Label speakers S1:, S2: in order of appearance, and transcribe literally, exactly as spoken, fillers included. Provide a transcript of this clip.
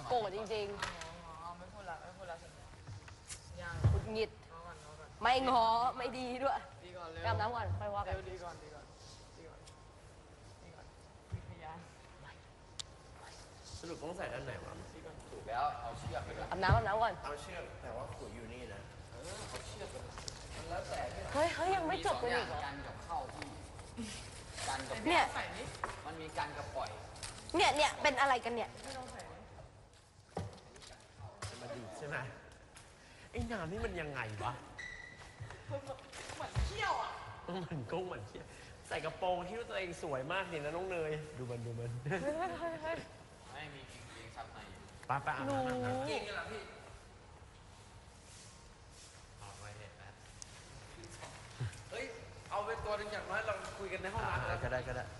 S1: โกรธจริง
S2: ๆไม่พูดละไม่พูดละสัญญายัง
S1: ๆหุดหงิดไม่งอไม่ดีด้วย
S2: ดีก่อนเร็ว
S1: อาบน้ำก่อนค่อยว่ากัน
S2: เร็วดีก่อนดีก่อนดีก่อนดีก่อนมีพยาน
S3: สรุปต้องใส่ด้านไหนวะ
S2: ดีก่อน
S4: ถูกแล้วเอาเชือกไปก่อน
S1: อาบน้ำอาบน้ำก่อน
S3: เอาเชือกแต่ว่าขุยอยู่นี่นะ
S4: เออเอาเชือกไปมันแล้วแต่ที่
S1: เฮ้ยเฮ้ยยังไม่จบกันอีกเหรอ
S4: กันกับเข้าที่กันกับ
S1: เนี่ย
S2: ใส่นี่
S4: มันมีกันกับปล่อย
S1: เนี่ยเนี่ยเป็นอะไรกันเนี่ย
S2: ไม่ต้องใส่นี่
S3: มาดีใช่ไหมไอ้น้ำนี่มันยังไงวะ
S2: เหมือนเที่ยวอ่ะ
S3: มันกุ้งเหมือนเชี่ยใส่กระโปรงที่ว่าตัวเองสวยมากนี่นะน้องเนยดูมันดูมัน
S4: ไม่มีจริงๆซับใน
S3: ป้าป้าอาบน้ำอาบน้ำ
S4: จริงเหรอพี่
S3: เอาไว้เนี่ยแป๊บ
S4: เฮ้ยเอาไปตัวหนึงอย่างน้อยเราคุยกันในห้องน้ำ
S3: อ่า
S4: แล้ว
S3: ก็ได้ก็ได้